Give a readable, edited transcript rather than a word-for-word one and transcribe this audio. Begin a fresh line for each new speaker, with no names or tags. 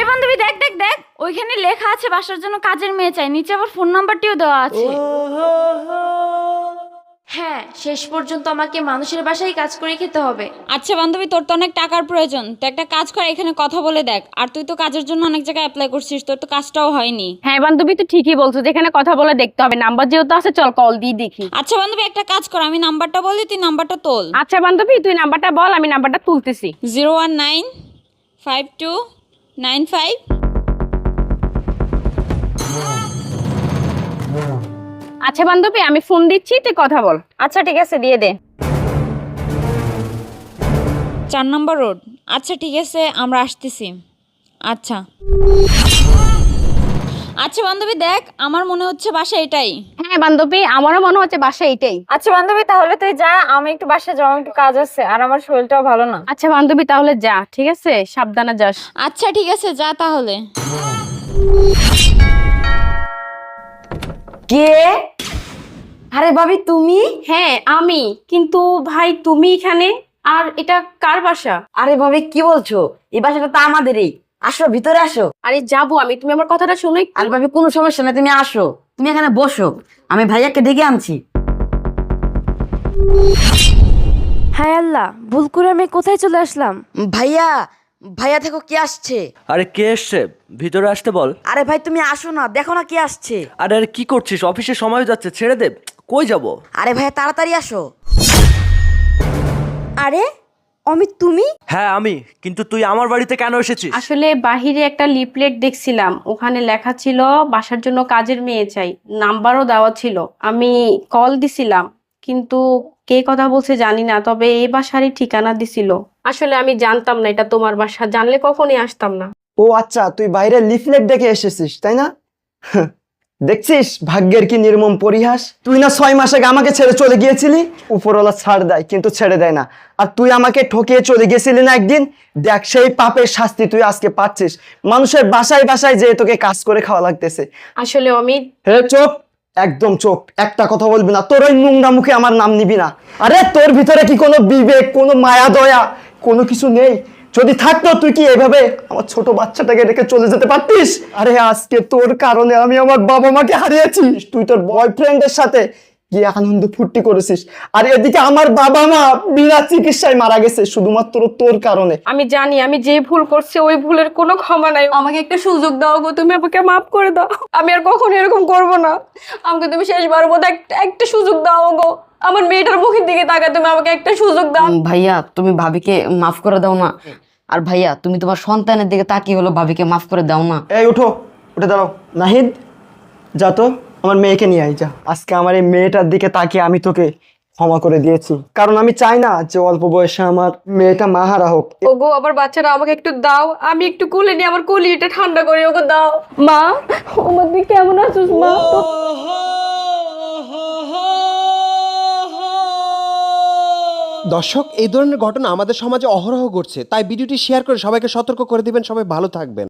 এই বান্ধবী দেখ দেখ দেখ, ওইখানে লেখা আছে বাসার জন্য কাজের মেয়ে চাই, নিচে আবার ফোন নাম্বারটিও দেওয়া আছে।
হ্যাঁ, শেষ পর্যন্ত আমাকে মানুষের বাসায় কাজ করে খেতে হবে।
আচ্ছা বান্ধবী, তোর তো অনেক টাকার প্রয়োজন, তো একটা কাজ কর, এখানে কথা বলে দেখ। আর তুই তো কাজের জন্য অনেক জায়গায় অ্যাপ্লাই করছিস, তোর তো কাজটাও হয়নি।
হ্যাঁ বান্ধবী, তো ঠিকই বলছো, যেখানে কথা বলে দেখতে হবে, নাম্বার যেহেতু আছে চল কল দিয়ে দেখি।
আচ্ছা বান্ধবী, একটা কাজ কর, আমি নাম্বারটা বলি, তুই নাম্বারটা তোল।
আচ্ছা বান্ধবী, তুই নাম্বারটা বল, আমি নাম্বারটা তুলতেছি।
0195295।
আচ্ছা বান্ধবী, আমি ফোন দিচ্ছি, তুই কথা বল। আচ্ছা ঠিক আছে, দিয়ে দে।
4 নম্বর রোড। আচ্ছা ঠিক আছে, আমরা আসতেছি। আচ্ছা আচ্ছা বান্ধবী দেখ, আমার মনে হচ্ছে বাসা এটাই।
হ্যাঁ বান্ধবী, আমারও মনে হচ্ছে বাসা এইটাই।
আচ্ছা বান্ধবী, তাহলে তুই যা, আমি একটু বাসায় যাওয়ার একটু কাজ আছে, আর আমার শরীরটাও ভালো না।
আচ্ছা বান্ধবী, তাহলে যা, ঠিক আছে, সাবধানে যাস।
আচ্ছা ঠিক আছে, যা তাহলে।
কে? আরে ভাবি তুমি?
হ্যাঁ আমি, কিন্তু ভাই তুমি এখানে, আর এটা কার বাসা?
আরে ভাবি কি বলছো? এই বাসাটা তো আমাদেরই। আসো ভিতরে আসো।
আরে যাবো আমি, তুমি আমার কথাটা শোনো একটু।
আরে ভাবি কোনো সমস্যা না, তুমি আসো, তুমি এখানে বসো, আমি ভাইয়াকে ডেকে আনছি।
হায় আল্লাহ, ভুল করে আমি কোথায় চলে আসলাম?
ভাইয়া, ভাইয়া দেখো কে আসছে।
আরে কে এসছে? ভিতরে আসতে বল।
আরে ভাই তুমি আসো না, দেখো না কে আসছে।
আরে কি করছিস? অফিসে সময় যাচ্ছে, ছেড়ে দে। কই যাব?
আরে ভাইয়া তাড়াতাড়ি আসো। আরে অমিত তুমি?
হ্যাঁ আমি। কিন্তু তুই আমার বাড়িতে কেন এসেছিস?
আসলে বাহিরে একটা লিফলেট দেখছিলাম, ওখানে লেখা ছিল বাসার জন্য কাজের মেয়ে চাই, নাম্বারও দেওয়া ছিল। আমি কল দিছিলাম, কিন্তু কে কথা বলছে জানি না, তবে এই বাসারই ঠিকানা দিছিল। আসলে আমি জানতাম না এটা তোমার বাসা, জানলে কখনই আসতাম না।
ও আচ্ছা, তুই বাইরে লিফলেট দেখে এসেছিস তাই না? দেখছিস ভাগ্যের কি নির্মম পরিহাস। তুই না 6 মাস আগে আমাকে ছেড়ে চলে গিয়েছিলি। উপরওয়ালা ছাড় দেয় কিন্তু ছেড়ে দেয় না। আর তুই আমাকে ঠকিয়ে চলে গেছিলি না একদিন। দেখ সেই পাপের শাস্তি তুই আজকে পাচ্ছিস। মানুষের বাসায় বাসায় যেয়ে তোকে কাজ করে খাওয়া লাগতেছে।
আসলে অমিত,
হে চুপ, একদম চুপ, একটা কথা বলবি না। তোর ওই নোংরা মুখে আমার নাম নিবি না। আরে তোর ভিতরে কি কোনো বিবেক, কোনো মায়া দয়া, কোনো কিছু নেই? যদি থাকতো তুই কি এভাবে আমার ছোট বাচ্চাটাকে রেখে চলে যেতে পারতিস? আরে আজকে তোর কারণে আমি আমার বাবা মাকে হারিয়েছি। তুই তোর বয়ফ্রেন্ডের সাথে গিয়ে আনন্দ ফুর্তি করেছিস, আর এদিকে আমার বাবা মা বিনা চিকিৎসায় মারা গেছে শুধুমাত্র তোর কারণে।
আমি জানি আমি যে ভুল করছি ওই ভুলের কোনো ক্ষমা নাই, আমাকে একটা সুযোগ দাও গো, তুমি আমাকে মাফ করে দাও, আমি আর কখনো এরকম করব না। আমাকে তুমি শেষবার মতো একটা সুযোগ দাও গো, আমার মেয়েটার মুখের দিকে তাকায়, তুমি আমাকে একটা সুযোগ দাও।
ভাইয়া তুমি ভাবিকে মাফ করে দাও না। আর ভাইয়া তুমি তোমার সন্তানের দিকে তাকিয়ে হলো ভাবিকে মাফ করে দাও না।
এই উঠো, উঠে দাঁড়াও। নাহিদ, যা তো আমার মেয়েকে নিয়ে আই যা। আজকে আমার এই মেয়েটার দিকে তাকিয়ে আমি তোকে ক্ষমা করে দিয়েছি, কারণ আমি চাই না যে অল্প বয়সে আমার মেয়েটা মাহারা হোক।
ওগো আমার বাচ্চারা আমাকে একটু দাও, আমি একটু কোলে নিয়ে আমার কলিটা ঠান্ডা করে ওগো দাও। মা, আমার দিকে কেমন আছিস মা?
দর্শক, এই ধরনের ঘটনা আমাদের সমাজে অহরহ ঘটছে, তাই ভিডিওটি শেয়ার করে সবাইকে সতর্ক করে দিবেন। সবাই ভালো থাকবেন।